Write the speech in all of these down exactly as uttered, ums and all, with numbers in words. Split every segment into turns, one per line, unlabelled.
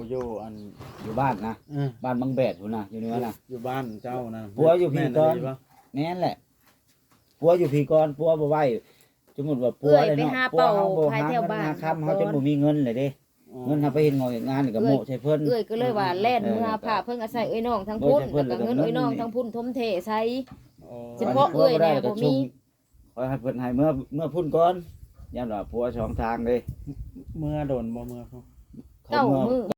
อยู่อัน
อยู่บ้านนะ
เออ
บ้านบางแบดพุ่นน่ะอยู่เหนือน่ะ
อยู่บ้านเจ้านะ
ผัวอยู่พี่ก่อน
แม่ดีปะ
แม่นแหละผัวอยู่พี่ก่อนผัวบ่ไหวสมมุติว่าผัว
เอื้อย
เลย
ไป
เนาะ
หา
ผัว
เป่า
เฮาบ่
ภาย
หา
แถ
เงิ
วน บ้าน
หาค่ำเฮาจนบ่มีเงินเลยเด้ เงินเฮาไปเฮ็ดงานงานนี่ก็โมะใส่เพิ่น
เอื้อยก็เลยว่าแล่นเมื่อผ่าเพิ่งอาศัยเอ้ยน้องทั้งพุ่นแล้วก็เงินเอ้ยน้องทั้งพุ่นทมเทใช้
อ๋อ
เฉพาะเอื้อยแน่บ่มี
ขอให้เพิ่นให้เมื่อเมื่อพุ่นก่อนย่านว่าผัวสองทางเลย
เมื่อโดนบ่เมื่อเขา
เก้ามือ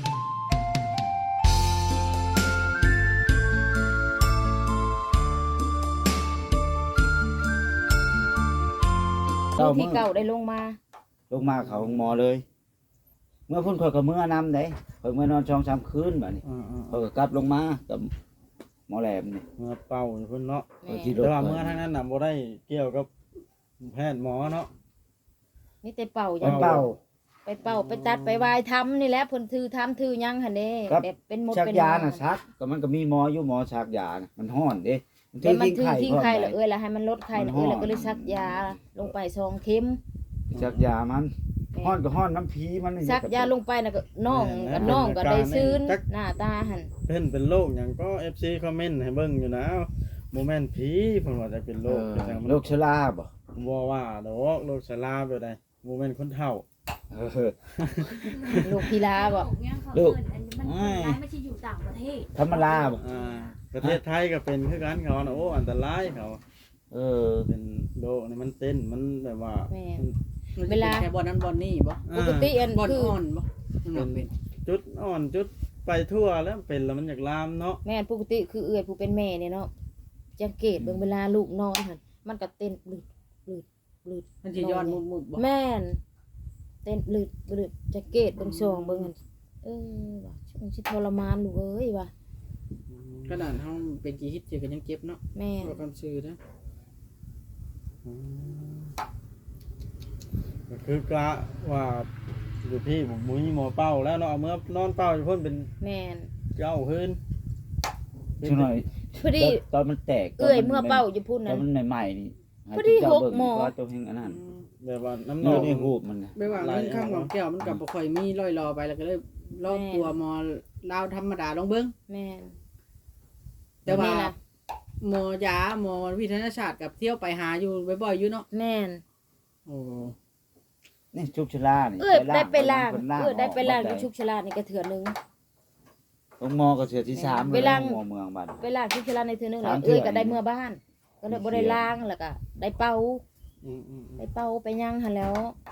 เก้า
ที่
มื้อ
เก่าได้ลงมา
ลงมาเขาหมอเลย เมื่อพุ่นข่อยก็เมื่อนำได้ข่อยเมื่อนอนสองสามคืนบัดนี้
อ่า
ข่อยก็กลับลงมากับหมอแหลมนี่
ๆเมื่อเป่าอยู่เพิ่นเนาะ
แม่
ที่
แต่ว่าเมื่อทางนั้นน่ะบ่ได้เกี่ยวกับแพทย์หมอเนาะ
นี่แต่เป่าอ
ไป
ย่าง
เป่า
ไปเป่าไปตัดไปวายทำนี่แหละเพิ่นถือทำถือหยังหั่นเด้
ครับ
แบบเป็นหมด
ชัก
เป็น
ยาน่ะชักก็มันก็มีหมออยู่หมอชักยาน่ะมันฮ้อนเด้มัน
แต่มันถือทิ้งไข่
พร้
ละ
อม
เอ้ยแล้วให้มันลดไข่ละเอ้ยแล้วก็เลยซักยาลงไปสองเข็ม
ชักยามันฮ้อนก็ฮ้อนน้ำผีมันนี่
ซักยาลงไปน่ะก็น้องก็น้องก็ได้ซื้นหน้าตาหั่น
เพิ่นเป็นโรคหยังก็ เอฟ ซี คอมเมนต์ให้เบิ่งอยู่นะบ่แม่นผีเพิ่นว่าจะเป็น
เอ
โรค
อ
จังซั่นมัน
โรคชราบ่
บ่ว่าดอกโรคชราแบบใดบ่แม่นคนเฒ่า
เออ
ลูกพิลาบ่
ลูก
อันนี้มันร้ายไม่ใช่อยู่ต่างประเทศ
ธรรมดาบ่
อ่าประเทศไทยก็เป็นคือกันเขาน่ะโอ้อันตรายเขา
เออ
เป็นโรคนี่มันเต้นมันแบบว่า
แม่
เวลาแค่บอลนั้นบอลนี่บ่
ปกติอัน
บอล
คือ
อ่อนบ่มันบ่เป็น
จุดอ่อนจุดไปทั่วแล้วเป็นแล้วมันอยากลามเนาะ
แม่นปกติคือเอื้อยผู้เป็นแม่เนี่ยเนาะสังเกตเบิ่งเวลาลูกนอนหั่นมันก็เต้นปลืดปลืดปลืด
มันสิย้อนมุดๆบ่
แม่นเต้นปลืดปลืดสังเกตเบิ่งซองเบิ่งหั่นเออว่ะช่วงสิทรมานลูกเอ้ยว่ะ
ขนาดเฮาเป็นกี่ฮิตเจอกันยังเจ็บเนาะ
แม่น
บ่คำชื่อนะ
อืมก็คือกะว่าอยู่พี่ผมมุ้ยหมอเป้าแล้วเนาะเอาเมื่อนอนเป้าอยู่เพิ่นเป็น
แม่น
เก้าคืน
ช่วหน่อย
พอดี
ตอนมันแตก
เอื้อยเมื่อเป้าอยู่พุ่น
ตอ
นั่
น
น
มันใหม่ๆนี่
พอดี
ให้เจ้า
หก
เบิ่ง
หมอ
ว่าเจ้าเฮงอันนั้น
แบบว่าน้ำหน
นี่
อง
นี่รูปมันน่ะ
ไม่ว่าเงินข้างของแก้วมันก็บ่ค่อยมีร้อยรอไปแล้วก็เลยรอบตัวหมอลาวธรรมดาลองเบิ่ง
แม่น
แต่ว่า
นี่ล่ะ
หมอยาหมอวิทยาศาสตร์กับเที่ยวไปหาอยู่บ่อยๆอยู่เนาะ
แม่น
โอ้
นี่ชุบชลานี่
เอื้อยได้ไปล้าง
พิ่น
เอื้อยได้ไปล้างอยู่
อ
ชุกชลานี่ก็เถื่อนึง
ตรงมอก็เสือที่สาม
ไปล้าง
หมอเมืองบ้าน
ไปล้างชุกชลาในเถื่อนึงแล้ว
สามเทื่อ
เอื้อยก็ได้เมื่อบ้าน ก็เลยบ่ได้ล้างแล้วก็ได้เป่า
อืมอืมอืม
ได้เป่าไปย่างหั่นแล้ว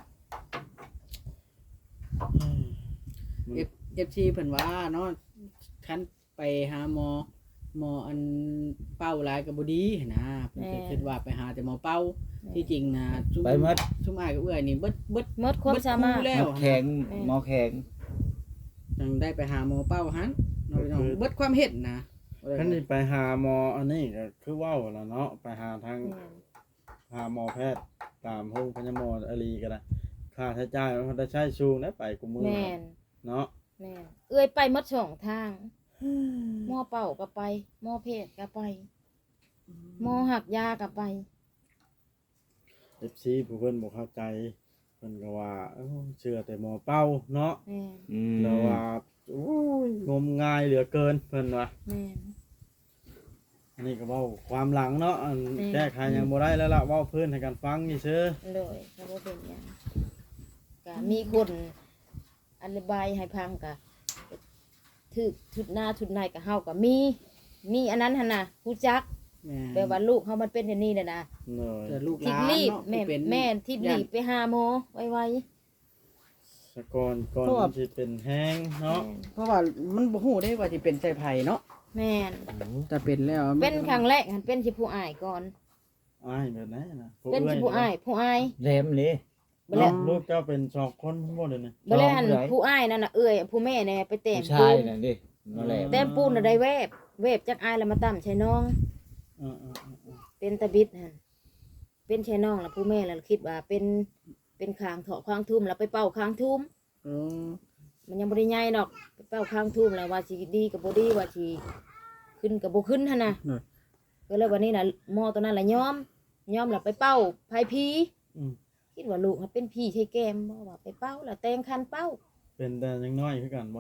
เอฟเอฟซีเพิ่นว่าเนาะคันไปหาหมอหมออันเป้าหลายก็บ่ดีนะเพิ่นก็คิดว่าไปหาแต่หมอเป้าที่จริงนะซุม
ไปหมด
ซุมอ้ายกับเอื้อยนี่เบิดเบิด
หมดความสามารถ
เบิดคู่แล้
หม
ว
อแข็ง
แม่
หมอแข็ง
จังได้ไปหาหมอเป้าหันเนาะพี่น้องเบิดความเห็นนะ
คันนี้ไปหาหมออันนี้ก็คือเว้าแล้วเนาะไปหาทางหาหมอแพทย์ตามห้องพยาหมออารีก็ได้ค่าใช้จ่ายมันได้ใช้สูงได้ไปกูมือ
แม่น
เนาะ
แม่นเอื้อยไปหมดสองทางหม้อเป่าก็ไปหม้อเพศก็ไปหม้อหักยาก็ไป
เอฟซีผู้เพิ่นบ่เข้าใจเพิ่นก็ว่าเอ้าเชื่อแต่หมอเป้าเนาะ
แม่น
อืม
แล้วว่าโอ้ยงมงายเหลือเกินเพิ่นว่า
แม่น
อันนี้ก็เว้าความหลังเนาะอัน
อืม
แก้ไขยังบ่ได้แล้วล่ะเว้าเพิ่นให้กันฟังนี่ซื่อ
เลยก็บ่เป็นหยังก็มีคนอธิบายให้ฟังก็ถึกทุดหน้าทุดในก็เฮาก็มี มีอันนั้นหั่นน่ะรู้จัก
แม่
แปลว่าลูกเฮามันเป็นอย่างนี้น่ะนะ
เนย
แต่ลูกห
ทิบ
ลาน
รีบ
เนาะ
แม่
เป็น
แม่นทิบรีบไปหาหมอไว
สกอนก่อน
เพราะว่า
มันสิเป็นแห้ง
ๆ
เนาะ
เพราะว่ามันบ่ฮู้ได้ว่าสิเป็นไสไผเนาะ
แม่น
แต่เป็นแล้ว
เป็นครั้งแรกหันเป็นสิผู้อ้ายก่อน
อ้ายแบบไหนนะผู้
เป็น
อื้
สิผู้อ้ายผู้อ้าย
แหลมเลย
บ่
น้
แล้
อ
ว
งลูกเจ้าเป็นสองคนบ่เด้นี่
บ่แล้วหัน
น้องผู้ใด
ผู้อ้ายนั่นน่ะเอ้ยผู้แม่เนี่ยไปเต็ม
ผู้
ปู
ชาย
น
นั่นดิมาแหลม
เต็มปูนน่ะได้แวบแวบจากอ้ายแล้วมาตั้มใช่น้อง
เออๆๆ
เป็นตะบิดหันเป็นใช่น้องแล้วผู้แม่แล้วคิดว่าเป็นเป็นคางเถาะคางทุ่มแล้วไปเป่าคางทุ่ม
อืม
มันยังบ่ได้ใหญ่ดอกไปเป่าคางทุ่มแล้วว่าสิดีกับบ่ดีว่าสิขึ้นกับบ่ขึ้นหั่นน่ะก็เลยวันนี้น่ะหมอตัวนั้นล่ะยอมยอมแล้วไปเป่าไผผี
ๆอืม
คิดว่าลูกเขาเป็นผีใช่แก้มบ่ว่าไปเป่าแล้วแต่งคันเป่า
เป็นแต่ยังน้อยคือกันบ่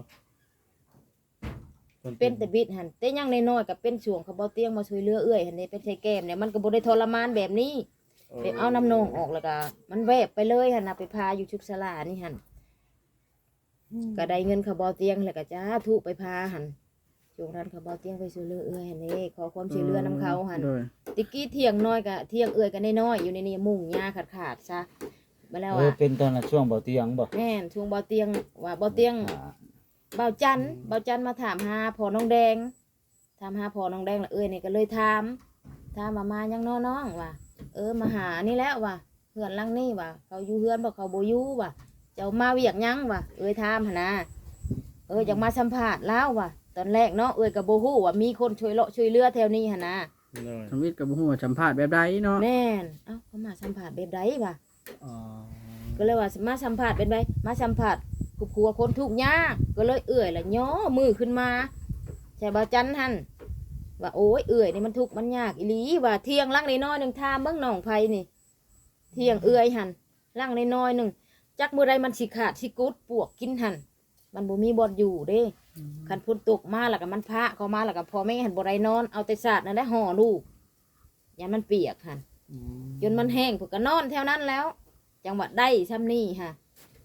พิ่
เป็นแต่บิดหันแต่ยังน้อยๆก็เป็นช่วงเขาบ่เตียงมาช่วยเหลือเอื้อยหันนี่เป็นไทแก้มเนี่ยมันก็บ่ได้ทรมานแบบนี้ไปเอาน้ำนองออกแล้วก็มันแวบไปเลยหั่นน่ะไปพาอยู่ชุกศาลานี่หั่นก็ได้เงินเขาบ่เตียงแล้วก็จ้าทุไปพาหั่นช่วงนั้นเขาบ่เตียงไปช่วยเหลือเอื้อยหั่นนี่ขอความช่วยเหลือนำเขาหั่น
โดย
ติกี้เที่ยงน้อยก็เที่ยงเอื้อยก็น้อยๆอยู่ในนี่มุ่งหญ้าขาดๆซะมาแล้ว
เออ
อ่ะ
เป็นตอนน่ะช่วงบ่เตียงบ่
แม่นช่วงบ่เตียงว่าบ่เตียง
อ่า
เบาจันเบาจันมาถามหาพ่อน้องแดงถามหาพ่อน้องแดงแล้วเอ้ยนี่ก็เลยถามถามมามายังน้อน้องว่ะเออมาหานี่แล้วว่ะเพื่อนหลังนี่ว่ะเขาอยู่เฮือนบ่เขาบ่อยู่ว่ะเจ้ามาเวียกยังว่ะเอ้ยถามหนนะเอออยากมาสัมภาษณ์แล้วว่ะตอนแรกเนาะเอ้ยก็บ่ฮู้ว่ามีคนช่วยเลาะช่วยเหลือแถวนี้หั่นนะ
เลย
ทำวิทย์กับบ่ฮู้ว่าสัมภาษณ์แบบใดเนาะ
แม่นเอ้าเขามาสัมภาษณ์แบบใดว่ะ
อ๋อ
ก็เลยว่ามาสัมภาษณ์เป็นไดมาสัมภาษณ์ครอบครัวคนทุกข์ยากก็เลยเอื้อยละย่อมือขึ้นมาใช่บ่จันหันว่าโอ้ยเอื้อยนี่มันทุกข์มันยากอีหลีว่าเที่ยงลังน้อยๆหนึงทามเบิ่งหนองไผนี่เที่ยงเอื้อยหันลังน้อยๆหนึงจักมื้อใดมันสิขาดสิกุดปวกกินหันมันบ่มีบ่อนอยู่เด้คันฝนตกมาแล้วก็มันพระเข้ามาแล้วก็พ่อแม่หันบ่ได้นอนเอาแต่สาดนั่นแหละห่อลูกอย่ามันเปียกหัน
อืม
จนมันแห้งพวกก็นอนแถวนั้นแล้ว จังหวัดได้ซ้ำนี่ค่ะ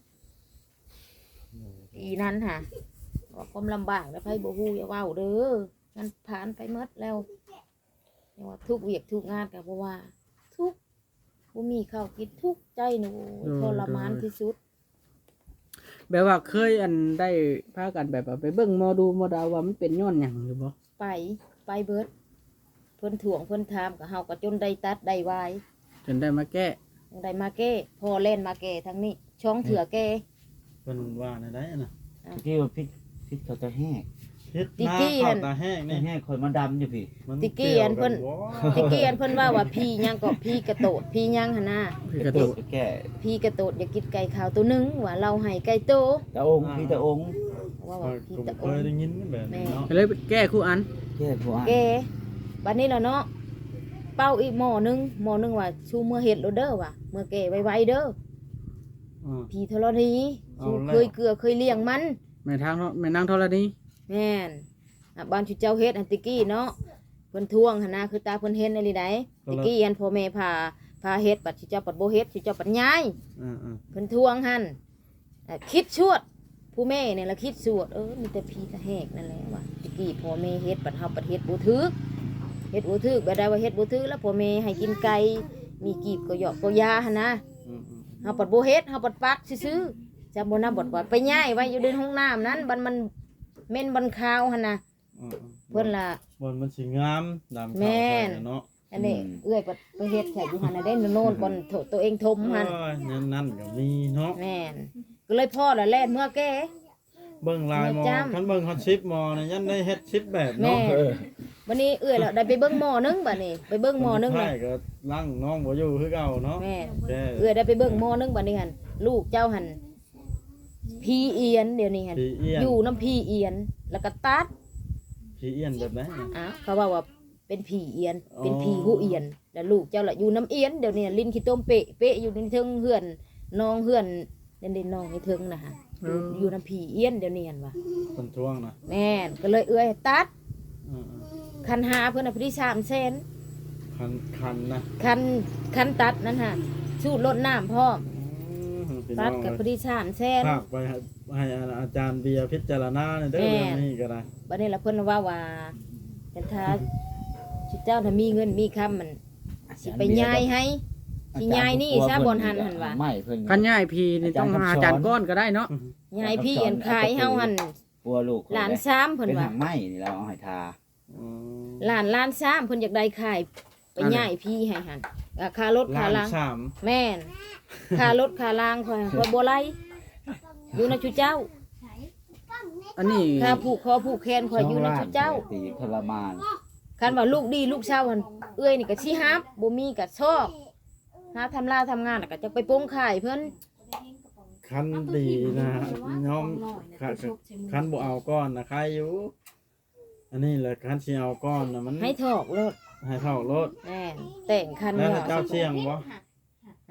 ปีนั้นค่ะก็ความลำบากแล้วไพ่บ่ฮู้อย่าเว้าเด้อมันผ่านไปหมดแล้วอย่าว่าทุกเวียกทุกงานกับบ่ว่า ทุกบ่มีข้าวกินทุกใจหนูทรมานที่สุด
แบบว่าเคยอันได้พากันแบบว่าไปเบิ่งหมอดูหมอดาวว่ามันเป็นย้อนหยังหรือบ่
ไปไปเบิดเพิ่นถ่วงเพิ่นถามกับเฮาก็จนได้ตัดได้วาย
จนได้มาแก้
ยังได้มาแก้พอเล่นมาแก้ทั้งนี้ ช่องเถื่อแก้
เพิ่นว่าในได้น่ะ
ที่ว่าพิษพิษเขาจะแห้ง
เฮ็ดหน้าเข้าตาแห้ง
ไม่
นี่
แห้งคนมันดำอยู่พี่
มัน
ติกี้อันเพิ่น
กี่ยวกับ่
ตะกี้อันเพิ่นว่าว่าพี่ยังก็พี่กระโตดพี่ยังหั่นน่ะ
พี่กระตุก
ไปแก้
พี่กระโตดอย่ากินไก่ขาวตัวหนึงว่าเราให้ไก่โต
ตาองค์พี่ตาองค์
ว่า
ข้
ว่า
อย
พี่
ก็
ตะ
เค
อง
ยได้ยินแบบนี้เนาะ
ก็เลยไปแก้คู่อัน
แก้ผัว
แกบัดนี้ล่ะเนาะเป้าอีกหม้อหนึงหม้อหนึงว่าชูเมื่อเฮ็ดโลดเด้อว่ะเมื่อแก่ไวๆเด้อ
อ่า
พี่ธรณี
เอา
ชู
แล้ว
เคยเกลือเคยเลี้ยงมัน
แม่ทางเนาะแม่นางธรณี
แม่นอ่ะบ้านชุเจ้าเฮ็ดอันติกี้เนาะเพิ่นทวงหั่นนะคือตาเพิ่นเห็นอะไรใดติกี้อันพ่อแม่พาพาเฮ็ดบัดชุเจ้าปัดบ่เฮ็ดชุเจ้าปัดย้าย
อ่า
เพิ่นทวงหั่นอ่ะคิดชวด ผู้แม่เนี่ยละคิดชวดเออมีแต่พี่กระแหกนั่นแหละว่าติกี้พ่อแม่เฮ็ดบัดเฮาปัดเฮ็ดบ่ถึกเฮ็ดบ่ถึกบ่ได้ว่าเฮ็ดบ่ถึกแล้วพ่อแม่ให้กินไก่มีกีบก็หยอกก็ยาหั่นนะ
ๆอืม
เฮาปัดบ่เฮ็ดเฮาปัดปักซื่อๆจำบ่นำบ่ว่าไปย้ายไว้อยู่ในห้องน้ำนั้นบัดมันเหม็นบันคาวหั่นน่ะ
ๆอืมๆ
เพิ่นล่ะ
บนมันสิงามดำขาว
แม่น
ใส่เนาะ
อันนี้เอื้อยปัดไปเฮ็ดแค่อยู่หั่นน่ะได้โน่นก่อนโถตัวเองทมหั่น
โอ้ยนั่นนั่นก็มีเนาะ
แม่นก็เลยพ่อละแล่นเมื่อแก่
เบิ่งลายหมอ
ไม่จำ
คันเบิ่งฮอตชิปหมอเนี่ยยันได้เฮ็ดชิปแบบ
แม่
เนาะ
เออ
วันนี้เอื้อยแล้วได้ไปเบิ่งหมอนึงบัดนี้ไปเบิ่งหมอนึง
ใช่
เลย
ก็ลังน้องบ่อยู่คือเก่าเนาะ
แม่น
แก
เอื้อยได้ไปเบิ่งหมอนึงบัดนี้หั่นลูกเจ้าหั่นพีเอียนเดี๋ยวนี้หั่น
ผีเอี้ยน
อยู่น้ำพีเอียนแล้วก็ตัด
ผีเอี้ยนแบบไหนน่ะ
อ้าวเขาว่าว่าเป็นผีเอียน
อ๋อ
เป็นผีหูเอียน แล้วลูกเจ้าละอยู่น้ำเอียนเดี๋ยวนี้ลิ้นขี้ต้มเปะเปะอยู่ในเทิงเฮือนน้องเฮือนเด่นเด่นน้องในเทิงนะฮะอยู่อยู่น้ำผีเอียนเดี๋ยวนี้หั่นว่า
คนทวงนะ
แม่นก็เลยเอื้อยตัด
อือ
คันหาเพิ่นน่ะพอดีสามแสน
ๆคันคันนะ
คันคันตัดนั่นฮะสูดรดน้ำพร้อม
อืมพี่น้
ตั
อ
ด
ง
กับพอดีสามแสน
ฝากไปให้ให้อาจารย์เบียร์พิจารณาในอยเด้อ
แม่
เรื่องนี้ก็ได้
บัดนี้ละเพิ่นว่าว่าเป็นท้าชิเจ้าถ้ามีเงินมีคำมันสิไปย้ายให้ สิย้ายนี่ซะบ่อนหันหั่นว่ะ
ไม่เพิ่น
คันย้ายพี่นี่ต้องหาอาจารย์ก้อนก็ได้เนาะ
ย้ายพี่อันขายเฮาหั่น
ปัวลูก
หลานซ้ำเพิ่น
เป็น
ว่า
หางไหม้นี่เราเอาให้ทา
อืม
หลานล้านซ้ำเพิ่นอยากได้ขายไปย้ายพี่ให้หั่นอ่ะค่ารถค่า
ล้าน
ล้าง
สาม
แม่นค่ารถค่าล้างค่อยค่อยบ่ไหลอยู่นะชุเจ้า
อันนี้
ค่าผูกคอผูกแขนค่อยอยู่นะชุเจ้า
ตีทรมาน
คันว่าลูกดีลูกเช้าหันเอื้อยนี่ก็สิฮับบ่มีก็ชอบหาทำลาทำงานน่ะก็จะไปโปงขายเพิ่น
คันดีนะน้องคันคันบ่เอาก้อนนะใครอยู่ อันนี้แหละคันสิเอาก้อนนะมัน
ให้ถอกรถ
ให้เท่ารถ
แม่นแต่งคัน
แล้ว
ว่า
เจ้าเชียงบ่
ฮะ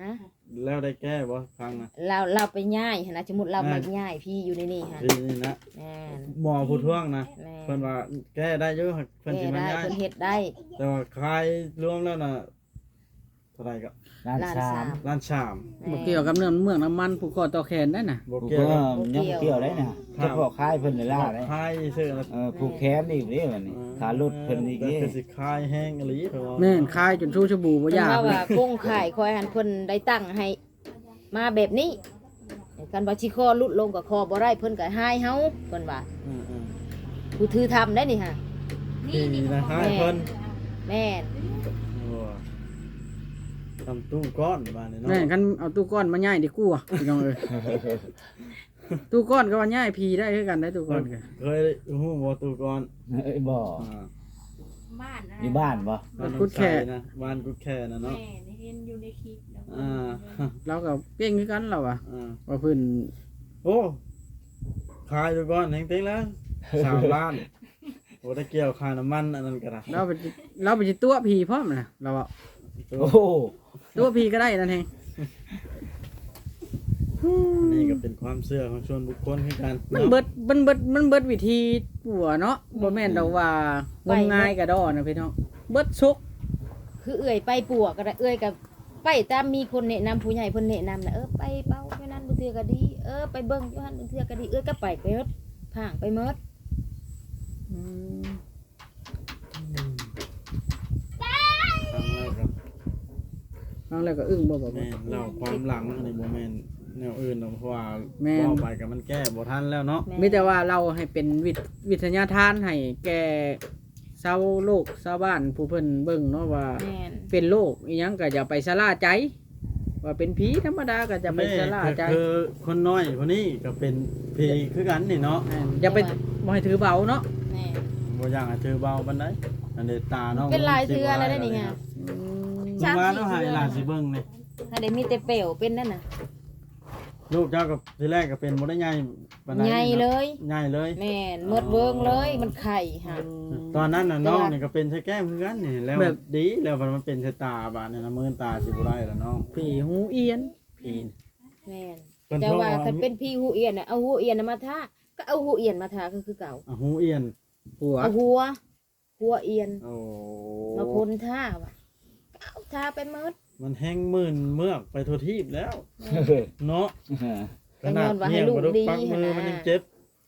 แล้วได้แก้บ่ครั้งนะ
เราเราไปย่ายหั่นนะสมมุติเรามาย่ายพี่อยู่ในนี่ฮะ
ทีนี้นะ
แม่น
หมอผู้ท่วงนะ
แม่
เพิ่นว่าแก้ได้เยอะเพิ่น
แก้
สิมา
ได้
ย้าย
เพิ่นเฮ็ดได้
แต่ว่าคลายรวมแล้วน่ะเท่าไหร่ก็
ล้าน
ล้าน
สา
สาม ม
ล้านสาม
บ่เกี่ยวกับเรื่องเมืองน้ำมันผูกคอต่อแขนได้น่ะ
บ่
ผูก
เกี่ยว
ก็
กับ
ยังบ่เกี่ยวได้น่ะเฉพาะค่ายเพิ่นเลยล่าได้
คลายซื่อแล้ว
เออผูกแขนอีกเด้บัดนี้ขารถเพิ่นอีก
แต่
เด้
คือสิคลายแห้งอีหลีเพิ่นว่า
แม่นคายจนชูชบูบ่
เพิ่น
ยาก
ว่าว่าโครงข่ายคอยหันเพิ่นได้ตั้งให้มาแบบนี้กันว่าสิคอลุดลงกับคอบ่ได้เพิ่นก็หายเฮาเพิ่นว่า
อืม
ผู้ถือทำได้นี่ฮะ
ๆที่นะให้เพิ่น
แม่น
โอ้ทำตู้ก้อนบ้านนี่เนาะ
แม่นคันเอาตู้ก้อนมาย่ายดีกว่าพี่น้องเอ้ยตู้ก้อนก็ว่าย่ายพีได้คือกันได้ตู้ก้อนก็
เคยฮู้บ่ตู้ก้อน
เอ้ยบ่
อ่า
บ้านนะ
อยู่บ้านบ่
บ้านกุดแค่นะบ้านกุดแค่นะ
แม่
เนาะ
เห็นอยู่ในคลิปแล้ว
อ่า
เราก็เก่งคือกันเราอ่ะ
อ่า
ว่าเพิ่น
โอ้ขายตู้ก้อนแห่งเต็งแล้วสามล้านโอ้ได้เกี่ยวค่าน้ำมันอันนั้นก็ได้
เราไปเราไปสิตัวพีพร้อมน่ะเราอ่ะ
โอ้โห
ตัวพีก็ได้นั่นเอง
นี่ก็เป็นความเชื่อของชวนบุคคลคือกัน
มันเบิดมันเบิดมันเบิดวิธีปัวเนาะบ่แม่นดอกว่างมงายกระดอนะพี่น้องเบิดซุก
คือเอื้อยไปปัวก็ได้เอื้อยกับไปตามมีคนแนะนำผู้ใหญ่เพิ่นแนะนำน่ะเออไปเป้าอยู่นั่นบ่เทื่อก็ดีเออไปเบิ่งอยู่หั่นบ่เทื่อก็ดีเอื้อยก็ไปไปหมดพางไปหมด
อืม
ครั้งแรกก็
น้องแล้วก็อึ้งบ่บ่บ่
แม่นเล่าความหลังอันนี้บ่แม่นแนวอื่นหรอกเพราะว่า
แม่น
เว้าไปก็มันแก้บ่ทันแล้วเนาะ
แม่
มีแต่ว่าเราให้เป็นวิทวิทยาทานให้แก่ชาวโลกชาวบ้านผู้เพิ่นเบิ่งเนาะว่า
แม่น
เป็นโรคอีหยังก็อย่าไปสะล่าใจ ว่าเป็นผีธรรมดาก็จะไปสะล่าใจ
แม่คือคนน้อยคนนี้ก็เป็นพีคือกันนี่เนาะ
แม่นอย่าไปบ่ให้ถือเบาเนาะ
แม่น
บ่อยากให้ถือเบาปานใดอันนี้ตาเนาะ
เป็นลายเทือแล้วได้นี่ไง
อืม
สาม
มา
สี่
แล้วให้
เทื่อ
หลานสิเบิ่งนี่
ถ้าได้มีแต่เปลวเป็นนั่นน่ะ
ลูกเจ้าก็ทีแรกก็เป็นบ่ได้ใหญ่ปานใด
ใหญ่เลย
ใหญ่เลย
แม่นหมดเบิ่งเลยมันไข่ฮะ
ตอนนั้นน่ะ
แต่
น้อง
ว่า
นี่ก็เป็นใช้แก้มคือกันนี่แล้วดีแล้วมันเป็นใช้ตาบาดนี่นะมื้อตาสิบ่ได้แล้วน้อง
ผีหูเอียน
พี
แม่น
เพิ่น
แต่
โทร
ว่า
มา
คันเป็นพี่หูเอียนน่ะเอาหูเอียนน่ะมาทาก็เอาหูเอียนมาทาก็คือเก่า
อ่ะหูเอียน
หัว
เอาหัว หัวเอียน
โอ้
มาพ่นท่าว่ะเอาทาไปหมด
มันแห้งมื่นเมือกไปทั่วทีบแล้ว เนาะ
ก็ย้อนว่าให้ลูกดี
ปักมือ
หั่นนะ
มันยังเจ็บ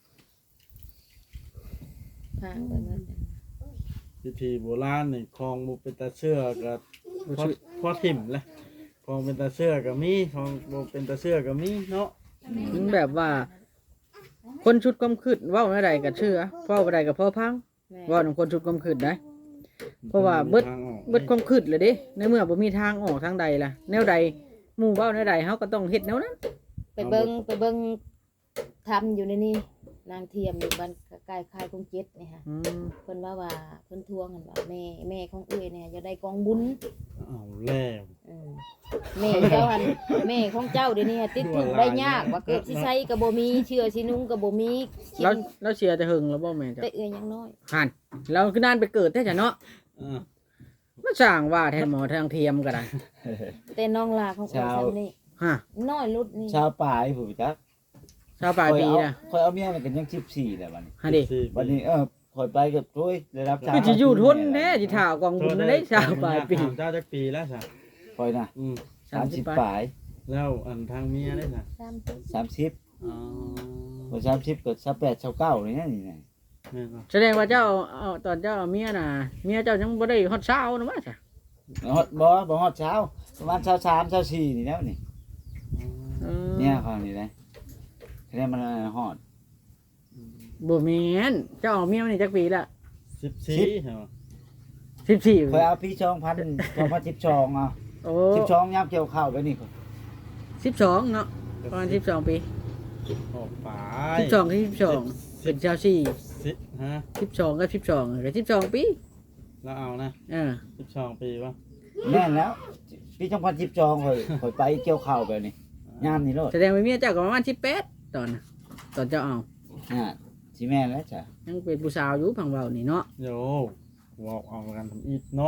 พางไปหมด
พิธีโบราณนี่คลองบ่เป็นตาเชื่อก็พอพอถิ่มแหละคลองเป็นตาเชื่อก็มีคลองบ่เป็นตาเชื่อก็มีเนาะ
มันแบบว่า คนชุดกำคืดเว้าอะไรก็เชื่อเว้าอะไรก็พอพัง
แม่
เว้าของคนชุดกำคืดนะ เพราะว่าเบิด
ทางออก
เบิดความคืดเลยเด้ในเมื่อบ่มีทางออกทางใดล่ะแนวใดหมู่เว้าแนวใดเฮาก็ต้องเฮ็ดแนวนั้น
ไปเบิ่งไปเบิ่งทำอยู่ในนี่นางเทียมอยู่บ้านใกล้ค่ายคงเจ็ดนี่ฮะ
อืม
เพิ่นว่าว่าเพิ่นทวงกันว่าแม่แม่ของเอ้ยเนี่ยจะได้กองบุญ
เอาแล้ว
อืมแม่เจ้าหันแม่ของเจ้าเดี๋ยวนี้ติดถูกข์ได้ยากว่าเกิดสิใช้ก็บ่มีเชื่อสินุ่งก็บ่มีกิ
แล้ว
น
แล้วเชียร์จะหึงแล้วบ่แม่นจ้ะ
แต่เอ้ยยังน้อย
หั่นเราคือนานไปเกิดแท้จ้ะเนาะ
อ่า
มันสร้างว่าแทนหมอทางเทียมก็ได้
แต่น้องลาของเอ้ยซ้ํนี่
ฮะ
น้อยลุดนี่
ชาวป่ายผู้จัก
ชาวปลายปีน่ะ
คอยเอาเมียมันกันยังสิบสี่แหละบัดนี้
ฮะดิ
สิบสี่
วันนี้เออคอยไปกับช่วยได้รับ
คือสิอยู่ทนแท้สิถ่าวกองบุญนั่นได้ชาวปลายปี
ถมเจ้าจักปีแล้วซะ
คอยนะ
อืม
สามสิบปลาย
แล้วอันทางเมียได้ซะ
สามสิบ
สามสิบ
อ๋อ
พอสามสิบเกิดสามแปดสามเก้านี่นะนี่นะ
แม่นบ่
แสดงว่าเจ้าเอาตอนเจ้าเอาเมียน่ะเมียเจ้ายังบ่ได้ฮอดเช้านะว่าจ้ะ
ฮอดบ่บ่ฮอดเช้าประมาณเช้าสามเช้าสี่นี่แล้วนี่
เออ
เนี่ยเขานี่นะแค่มันฮอด
บ่แม่นเจ้าเอาเมียมานี่จักปีละ
สิบสี่เหรอ
สิบสี่
คอยเอาพี่ชองพันสองพันสิบชองอ่ะ
โอ้
สิบชองยับเกี่ยวข้าวไปนี่
สิบสองเนาะประมาณสิบสองปี
ออกไป
สิบสองกับสิบสองเป็นเจ้าสี่
สิฮะ
สิบสองกับสิบสองกับสิบสองปี
แล้วเอานะ
เออ
สิบสองปีป่ะ
แน่นแล้วพี่ชองพันสิบชองคอยคอยไปเกี่ยวข้าวไปนี่ยามนี่โลด
แสดงว่าเมียเจ้าก็ประมาณสิบแปดตอนน่ะตอนเจ้าเอา
อ่าสิแม่นแล้วจ้ะ
ยังเป็นผู้สาวอยู่พังเบานี่เนาะ
โยบอกเอากันทำอีกเนาะ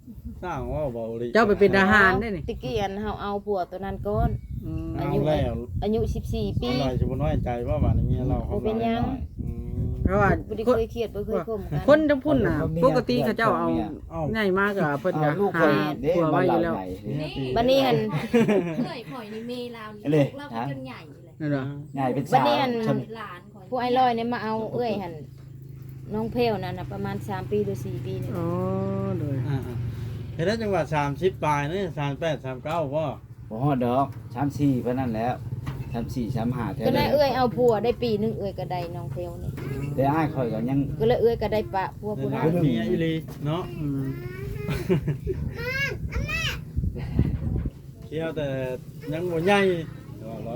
สร้างว่าบ่ลิ
เจ้าไปเป็นทหารได้นี่
ตะกี้อันเฮาเอาผัวตัวนั้นก่อน
อืม
อา
เอา
ยุ
แล้ว
อายุสิบสี่ปี
อร่อยสิบ่น้อยใจว่าบาดนี้เมียเราเขา
บ่เป็นหยัง
อืม
เพราะว่า
บ่ได้
คน
เคยเครียดบ่เคยข่มกัน
คนทั้งพุ่นน่ะปกติเขาเจ้าเอา
เอ้า
ใหญ่มากก็เพิ่นก็
เอาลูกค
หาน
เด้
ผัว
มา
ไว้อ
เล่า
ยู่แล้ว
ใหญ่
นี่
บัดนี้หั่น
เอ้ยข่อยนี่เมลาวนี่
เลย
ลูกเราก็จนใหญ่เลย
นั่นเหรอ
ใหญ่เป็น
บั
สา
ดนี้
ว
อัน
ช
หลานข่อย
ผู้ไอ้ลอยเนี่ยมาเอาเอ้ยหั่นน้องเพลนั่นน่ะประมาณสามปีหรือสี่ปีนี่
อ๋อโดย
อ่าๆเฮ็ดได้จังหวัดสามสิบปลายนี่สามแปด สามเก้าบ่
บ่ฮอดดอกสามสี่เพิ่นนั่นแล้วสามสี่ สามห้าแท้
ก็เลยเอ้ยเอาผัวได้ปีหนึงเอ้ยก็ได้น้องเพลนี่
แต่อ้ายข่อยก็ยัง
ก็เลยเอ้ยก็ได้ปะผัวผู้
ได้
นั้น
เมียอีหลีเนาะ
อืม
เที่ยวแต่ยังบ่ใหญ่ว่าร้อย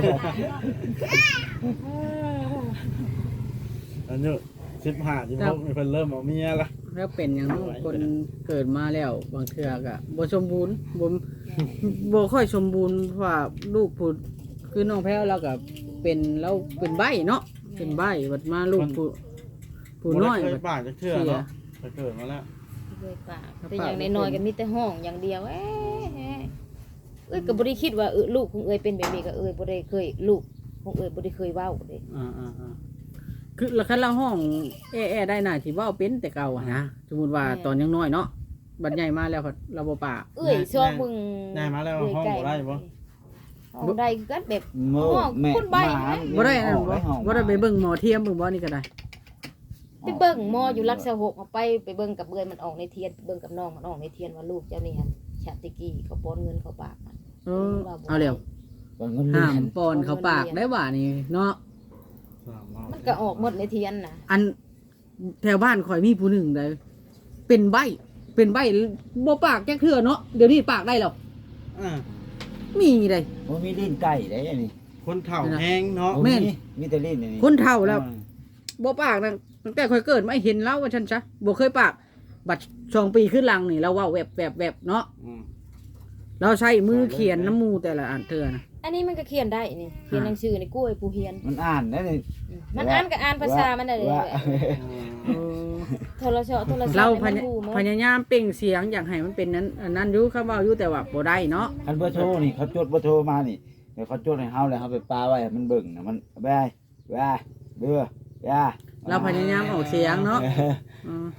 อันนี้สิบห้า สิบหกนี่เพิ่นเริ่มเอาเมียละ
แล้วเป็นอย่างนั้นคนเกิดมาแล้วบางเทื่อก็บ่สมบูรณ์บ่บ่ค่อยสมบูรณ์เพราะว่าลูกผู้คือน้องแพ้วเราก็เป็นเราเป็นใบ้เนาะเป็นใบ้บัดมาลูกผู้ผู้น้อย
บ่ได้เค
บั
ย
ด
ปากจักเทื่อเนาะแต่เกิดมาแล้ว
เอ้ยปะแต่อย่างน้อยๆก็มีแต่ห้องอย่างเดียวเอ้ยเอ้ยเอ้ยก็บ่ได้คิดว่าเออลูกของเอ้ยเป็นแบบนี้ก็เอ้ยบ่ได้เคยลูกของเอ้ยบ่ได้เคยเว้าเด้
อ่าๆ
คือแล้วคันเราห้องแอๆได้น่ะที่เว้าเป็นแต่เก่าอะนะสมมุติว่าตอนยังน้อยเนาะบัดใหญ่มาแล้วเราบ่ปาก
เอ้ยซอกมึง
ๆได้มาแล้วห้องบ่ได้บ่
ห้องได้คือกันแบบ
โม่
ห้อง
แม่
คนใบ้
หมา
บ่ได้นั่นบ่
ห้อง
บ่ได้ไปเบิ่งหมอเทียมเบิ่งบ่นี่ก็ได้
ไปเบิ่งหมออยู่รักษาหกเอาไปไปเบิ่งกับเอ้ยมันออกในเทียนไปเบิ่งกับน้องมันออกในเทียนว่าลูกเจ้านี่หั่นชาติกี้เขาป้อนเงินเขาปากมัน
เออเอาแล้ว
บ่เงินเดื
ห้า
อ
ม
น
ปอนเขาปากได้ว่านี่เนาะ
สามรอบ
มันก็ออกหมดในเทียนน่ะ
อันแถวบ้านข่อยมีผู้หนึ่งได้เป็นใบเป็นใบบ่ปากแก้เทื่อเนาะเดี๋ยวนี้ปากได้แล้ว
อ่า
มีได้
บ่มีลิ้นไก่ได้อันนี้
คนเฒ่าแห้งเนาะ
บ่
แม่น
มีแต่ลิ้นอันนี้
คนเฒ่าแล้วบ่ปากนะตั้งแต่ข่อยเกิดมาเห็นแล้วว่าฉันซะบ่เคยปากบัดสองปีขึ้นหลังนี่เราเว้าแวบแวบแวบเนาะ
อืม
เราใช้มือเขียนน้ำมูแต่ละอันเทื่อนะ
อันนี้มันก็เขียนได้นี่เขียนหนังสือในกล้วยผู้เฮียน
มันอ่านได้นี่
มันอ่านก็อ่านภาษามันได้เลย
ว่า
เออ
โทรศัพท์โทรศัพท์
เรา
นี่
พ
มัน
ยา
รู้หมด
พยายามเปล่งเสียงอยากให้มันเป็นนั้นอันนั้นอยู่คำเว้าอยู่แต่ว่าบ่ได้เนาะ
คันเบอร์โทรนี่เขาจดเบอร์โทรมานี่เดี๋ยวเขาจดให้เฮาแล้วเฮาไปปาไว้ให้มันเบิ่งนะมันไปไปเด้อย่า
เราพยายามออกเสียงเนาะ
เออ
อืม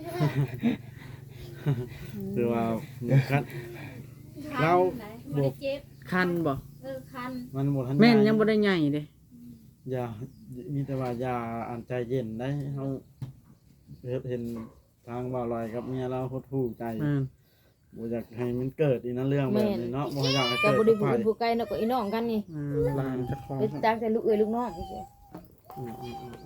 คือว่าคัน เรา
บ่ได้เจ็บ
คันบ่
เออคัน
มันหมดทัน
แม่นยังบ่ได้ใหญ่เด้
อย่ามีแต่ว่าอย่าอันใจเย็นได้เฮาเห็นทางบ่าวลอยกับเมียเราโคตรถูกใจ
แม่น
บ่อยากให้มันเกิดอีกนะเรื่องแบบนี้เนาะบ่อยากให้
ก็
เกิด
บ่ได้
กับ
ผู้
ใคร
อื่นผู้ไกลเนาะก็อีน้องกันนี่
อืมลานจะคล้อง
เป็นต่างแต่ลูกเอ้ยลูกน้องนี่สิ
อืมอืมอืม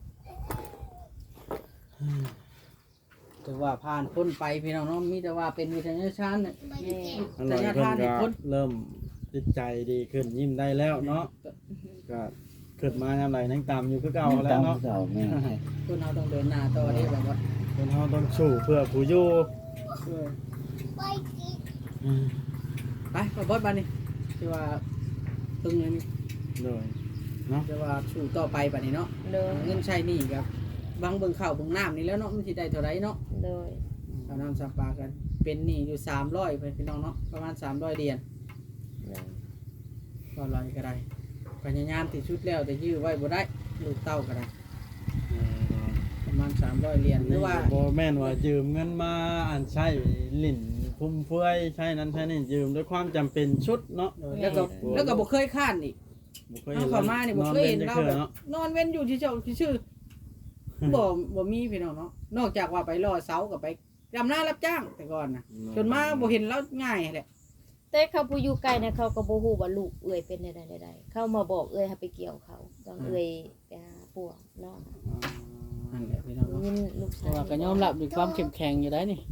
อืม
ถือว่าผ่านพ้นไปพี่น้องเนาะมีแต่ว่าเป็นวิทยาชาญเนี่ย
แม่
อันลอยเพิ่นก็เริ่มจิตใจดีขึ้นยิ้มได้แล้วเนาะก็เกิดมายามใดนั่งตามอยู่คือเก่าแล้วเนาะ
เก่าแม่
คนเราต้องเดินหน้าต่อได้แบบว่า
คนเฮาต้องสู้เพื่อผู้อยู่
เออ
อืม
ไปขอบอสบานนี่ที่ว่าตึงเลยนี่
โดย
ที่ว่าสู้ต่อไปบานนี้เนาะ
โดย
เงินใช้หนี่ครับบางเบิ่งข้าวเบิ่งน้ำนี่แล้วเนาะมันสิได้เท่าไรเนาะ
โดย
ข้าวน้ำสามปลากันเป็นหนี้อยู่สามร้อยพี่น้องเนาะประมาณสามร้อยเหรียญ
โดย
ก็ร้อยก็ได้พยายามที่ชุดแล้วแต่ยื้อไว้บ่ได้ลูกเต้าก็ได้
เออ
ประมาณสามร้อยเหรียญหรือว่า
บ่แม่นว่ายืมเงินมาอันใช้ลิ้นฟุ่มเฟือยใช้นั้นใช้นี่ยืมด้วยความจำเป็นชุดเนาะ
เออแล้วก็แล้วก็บ่เคยค้านอีก
บ่เคย
เอา
เห็น
เข้ามานี่บ่เคยเห็นเราแบบ
เนาะ
นอนเว้นอยู่ที่เจ้าที่ชื่อ บ่บ่มีพี่น้องเนาะนอกจากว่าไปรอเสากับไปดำนารับจ้างแต่ก่อนนะจนมาบ่เห็นแล้วง่ายแหละ
แต่เขาผู้อยู่ไกลเนี่ยเขาก็บ่ฮู้ว่าลูกเอ้ยเป็นใดๆๆเขามาบอกเอ้ยให้ไปเกี่ยวเขาต้องเอ้ยไปหาปัวน้อง
นั่นแหละพี่น้องเนาะ
ยินลูกชา
แต่
ย
ว่าก็ยอมรับด้วยความเข้มแข็งอยู่ได้นี่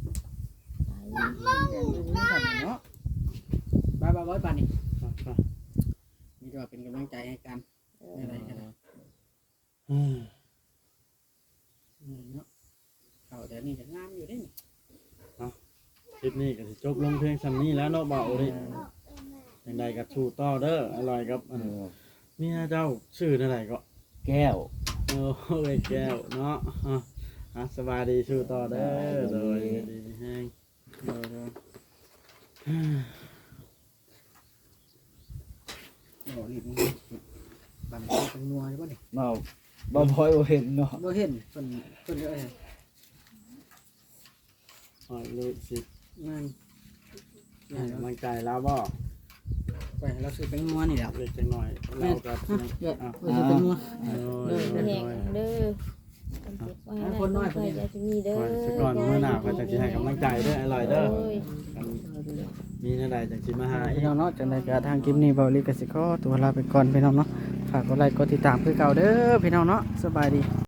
เนาะบายบายบายปานนี่มีแต่ว่าเป็นกำลังใจให้กัน
เออ
อะไรกันนะ
อืม
เนาะเขาแต่นี่จะงามอยู่ได้นี่
คลิปนี้ก็สิจบลงเพียงส่ำนี้แล้วเนาะบ่าวโอริจังใดก็สู้ต่อเด้ออร่อยครับอันเมียเจ้าชื่อเท่าไหร่ก็
แก้ว
โอ้ยแก้วเนาะอ่ะอ่ะสบายดีสู้ต่อเด้อโดยดีแห้งเดี๋ยวเดี๋ยว
โอ้นี่มันบันเป็นงัวใช่ป่ะนี่
บ่บ่พอยบ่เห็นเนาะ
บ่เห็นเพิ่นเพิ่นเอ้ย
อ่อยเลยสิ
งาน
ให้กำลังใจแล้วบ่
ไปเราซื้อเป็นงัวนี่แหละ
เล็กจังหน่อยเรากับ
เดี๋ยวเราซื้อเป็นงัว
โดยโดย
แห
โด
ง
ย
เด้อคนน้อยคนใจจะมีเด้อ
ก่อนสักก่อนมื้อหน้าก็จะสิให้กำลังใจเด้ออร่อยเด้อ
โอ้ย
กันมีแนวใดจังสิมาหาอี
พี่
ก
น้องเนาะจังได๋ก็ทางคลิปนี้เบาลีก็สิขอตัวลาไปก่อนพี่น้องเนาะฝากกดไลค์กดติดตามคือเก่าเด้อพี่น้องเนาะสบายดี